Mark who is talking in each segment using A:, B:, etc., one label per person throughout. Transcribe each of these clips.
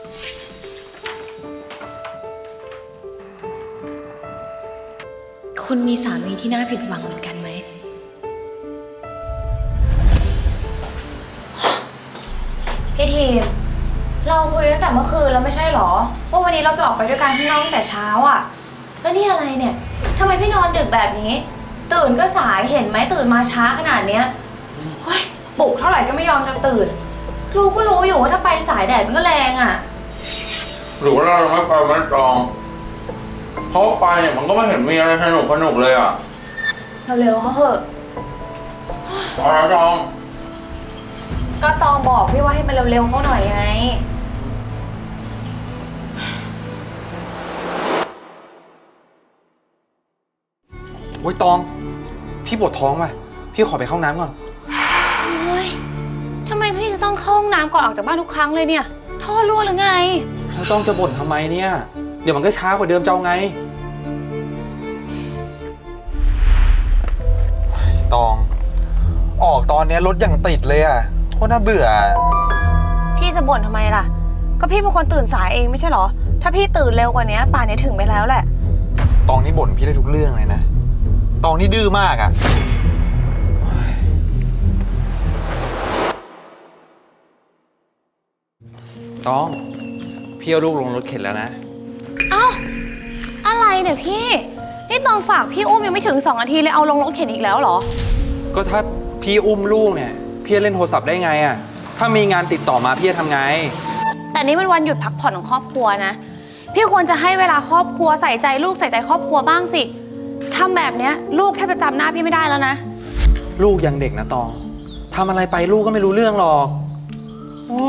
A: คุณมีสามีที่น่าผิดหวังเหมือนกันไหมพี่ทีมเราคุยตั้งแต่เมื่อคืนแล้วไม่ใช่หรอว่าวันนี้เราจะออกไปด้วยกันที่นอกตั้งแต่เช้าอ่ะแล้วนี่อะไรเนี่ยทำไมพี่นอนดึกแบบนี้ตื่นก็สายเห็นไหมตื่นมาช้าขนาดเนี้ยเฮ้ยปลุกเท่าไหร่ก็ไม่ยอมจะตื่นรู้ก็รู้อยู่ว่าถ้าไปสายแดดมันก็แรงอ่ะ
B: หรือว่าเราไม่ไปมันตองเพราะไปเนี่ยมันก็ไม่เห็นมีอะไรสนุกเลยอ่ะ
A: เร็วๆเขาเถอะ
B: อะไรตอง
A: ก็ตองบอกพี่ว่าให้มันเร็วๆเขาหน่อยไง
C: โอ้ยตองพี่ปวดท้องว่ะพี่ขอไปเข้าน้ำก่อน
A: โอ้ยทำไมพี่จะต้องเข้าห้องน้ำก่อนออกจากบ้านทุกครั้งเลยเนี่ยท่อรั่วหรือไง
C: แล้วต้องจะบ่นทำไมเนี่ยเดี๋ยวมันก็ช้ากว่าเดิมเจ้าไงตองออกตอนนี้รถอย่างติดเลยอ่ะโคตรน่าเบื่อ
A: พี่จะบ่นทำไมล่ะก็พี่เป็นคนตื่นสายเองไม่ใช่หรอถ้าพี่ตื่นเร็วกว่านี้ป่านนี้ถึงไปแล้วแหละ
C: ตองนี่บ่นพี่ได้ทุกเรื่องเลยนะตองนี่ดื้อมากอ่ะตองพี่เอาลูกลงรถเข็นแล้วนะ
A: เอ้าอะไรเนี่ยพี่นี่ตองฝากพี่อุ้มยังไม่ถึง2 นาทีเลยเอาลงรถเข็นอีกแล้วเหรอ
C: ก็ถ้าพี่อุ้มลูกเนี่ยพี่เล่นโทรศัพท์ได้ไงอ่ะถ้ามีงานติดต่อมาพี่จะทำไง
A: แต่นี่มันวันหยุดพักผ่อนของครอบครัวนะพี่ควรจะให้เวลาครอบครัวใส่ใจลูกใส่ใจครอบครัวบ้างสิทำแบบเนี้ยลูกแทบจะจำหน้าพี่ไม่ได้แล้วนะ
C: ลูกยังเด็กนะตองทำอะไรไปลูกก็ไม่รู้เรื่องหรอกโอ้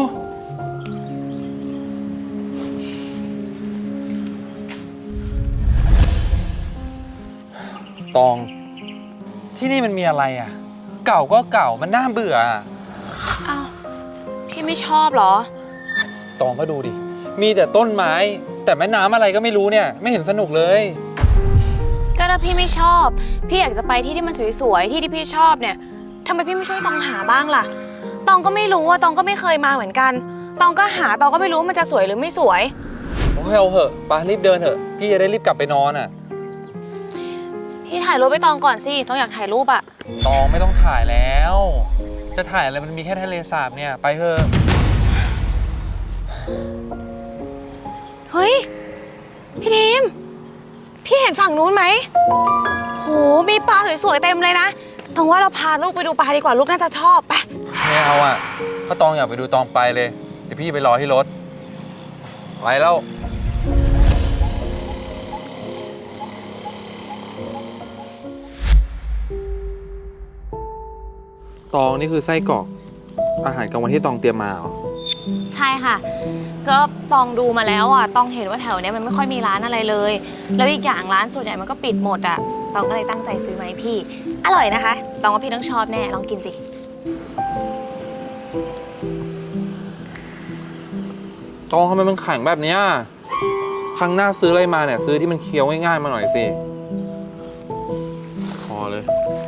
C: ตองที่นี่มันมีอะไรอ่ะเก่าก็เก่ามันน่าเบื่อ
A: อ้าวพี่ไม่ชอบเหรอ
C: ตองก็ดูดิมีแต่ต้นไม้แต่แม่น้ำอะไรก็ไม่รู้เนี่ยไม่เห็นสนุกเลย
A: ก็ถ้าพี่ไม่ชอบพี่อยากจะไปที่ที่มันสวยๆที่พี่ชอบเนี่ยทำไมพี่ไม่ช่วยตองหาบ้างล่ะตองก็ไม่รู้ว่าตองก็ไม่เคยมาเหมือนกันตองก็หาตองก็ไม่รู้ว่ามันจะสวยหรือไม่สวย
C: โอ้ยเอาเหอะไปรีบเดินเถอะพี่จะได้รีบกลับไปนอนอ่ะ
A: พี่ถ่ายรูปไปตองก่อนสิตองอยากถ่ายรูปอะ
C: ตองไม่ต้องถ่ายแล้วจะถ่ายอะไรมันมีแค่ทะเลสาบเนี่ยไปเถอะ
A: เฮ้ยพี่ทีมพี่เห็นฝั่งนู้นไหมโหมีปลาสวยๆเต็มเลยนะตองว่าเราพาลูกไปดูปลาดีกว่าลูกน่าจะชอบไป
C: ไม่เอาอ่ะถ้าตองอยากไปดูตองไปเลยเดี๋ยวพี่ไปรอที่รถไปแล้วตองนี่คือไส้กรอกอาหารกลางวันที่ตองเตรียมมาเหรอ
A: ใช่ค่ะก็ตองดูมาแล้วอ่ะตองเห็นว่าแถวนี้มันไม่ค่อยมีร้านอะไรเลยแล้วอีกอย่างร้านส่วนใหญ่มันก็ปิดหมดอ่ะตองก็เลยตั้งใจซื้อมาให้พี่อร่อยนะคะตองว่าพี่ต้องชอบแน่ลองกินสิ
C: ตองทำไมมันแข็งแบบนี้ครั้งหน้าซื้ออะไรมาเนี่ยซื้อที่มันเคี้ยวง่ายๆมาหน่อยสิพอเลย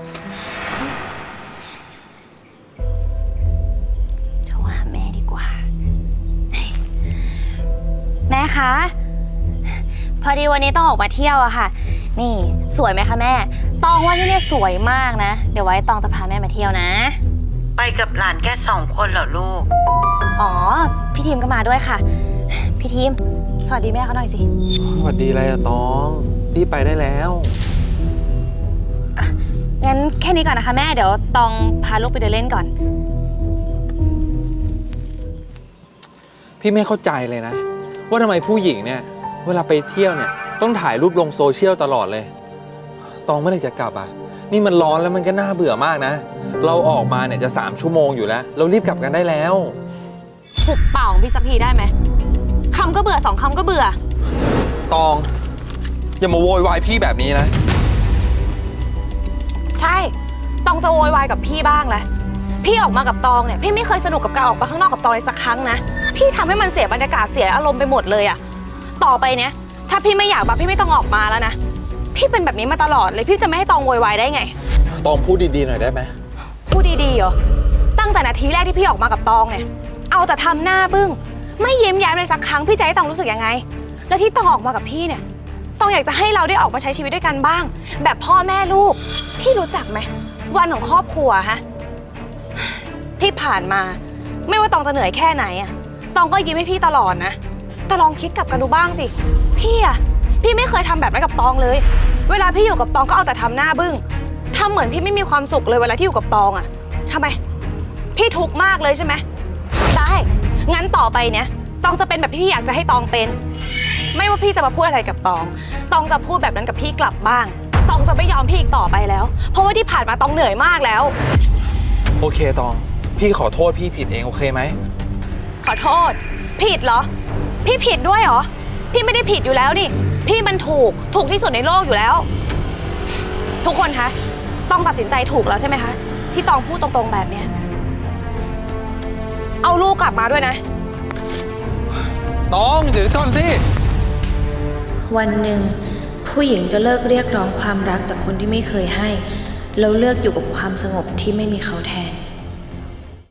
A: แม่คะพอดีวันนี้ต้องออกมาเที่ยวอะค่ะนี่สวยไหมคะแม่ตองว่าที่นี่สวยมากนะเดี๋ยวไว้ตองจะพาแม่มาเที่ยวนะ
D: ไปกับหลานแค่2 คนเหรอลูก
A: อ๋อพี่ทีมก็มาด้วยค่ะพี่ทีมสวัสดีแม่เขาหน่อยสิ
C: สวัสดีอะไรอะตองรีบไปได้แล้ว
A: งั้นแค่นี้ก่อนนะคะแม่เดี๋ยวตองพาลูกไปเดินเล่นก่อน
C: พี่ไม่เข้าใจเลยนะว่าทำไมผู้หญิงเนี่ยเวลาไปเที่ยวเนี่ยต้องถ่ายรูปลงโซเชียลตลอดเลยตองเมื่อไหร่จะกลับอ่ะนี่มันร้อนแล้วมันก็น่าเบื่อมากนะเราออกมาเนี่ยจะ3 ชั่วโมงอยู่แล้วเรารีบกลับกันได้แล้ว
A: หุบเป่าของพี่สักทีได้ไหมคำก็เบื่อ2 คำก็เบื่อ
C: ตองอย่ามาโวยวายพี่แบบนี้นะ
A: ใช่ตองจะโวยวายกับพี่บ้างแหละพี่ออกมากับตองเนี่ยพี่ไม่เคยสนุกกับการออกไปข้างนอกกับตองเลยสักครั้งนะพี่ทำให้มันเสียบรรยากาศเสียอารมณ์ไปหมดเลยอะต่อไปเนี่ยถ้าพี่ไม่อยากมาพี่ไม่ต้องออกมาแล้วนะพี่เป็นแบบนี้มาตลอดเลยพี่จะไม่ให้ตองโวยวายได้ไง
C: ตองพูดดีๆหน่อยได้ไหม
A: พูดดีๆเหรอตั้งแต่นาทีแรกที่พี่ออกมากับตองเนี่ยเอาแต่ทำหน้าบึ้งไม่ยิ้มแย้มเลยสักครั้งพี่จะให้ตองรู้สึกยังไง แล้วที่ตองออกมากับพี่เนี่ยตองอยากจะให้เราได้ออกมาใช้ชีวิตด้วยกันบ้าง แบบพ่อแม่ลูกพี่รู้จักไหมวันของครอบครัวฮะที่ผ่านมาไม่ว่าตองจะเหนื่อยแค่ไหนอะตองก็ยิ้มให้พี่ตลอดนะแต่ลองคิดกลับกันดูบ้างสิพี่ไม่เคยทำแบบนั้นกับตองเลยเวลาพี่อยู่กับตองก็เอาแต่ทำหน้าบึ้งทำเหมือนพี่ไม่มีความสุขเลยเวลาที่อยู่กับตองอะทำไมพี่ทุกข์มากเลยใช่ไหมได้งั้นต่อไปเนี่ยตองจะเป็นแบบที่พี่อยากจะให้ตองเป็นไม่ว่าพี่จะมาพูดอะไรกับตองจะพูดแบบนั้นกับพี่กลับบ้างตองจะไม่ยอมพี่อีกต่อไปแล้วเพราะว่าที่ผ่านมาตองเหนื่อยมากแล้ว
C: โอเคตองพี่ขอโทษพี่ผิดเองโอเคไหม
A: ขอโทษผิดเหรอพี่ผิดด้วยเหรอพี่ไม่ได้ผิดอยู่แล้วนี่พี่มันถูกที่สุดในโลกอยู่แล้วทุกคนคะต้องตัดสินใจถูกแล้วใช่ไหมคะที่ตองพูดตรงๆแบบเนี้ยเอาลูกกลับมาด้วยนะ
C: ตองเดี๋ยวก่อนสิ
E: วันหนึ่งผู้หญิงจะเลิกเรียกร้องความรักจากคนที่ไม่เคยให้แล้วเลือกอยู่กับความสงบที่ไม่มีเขาแทน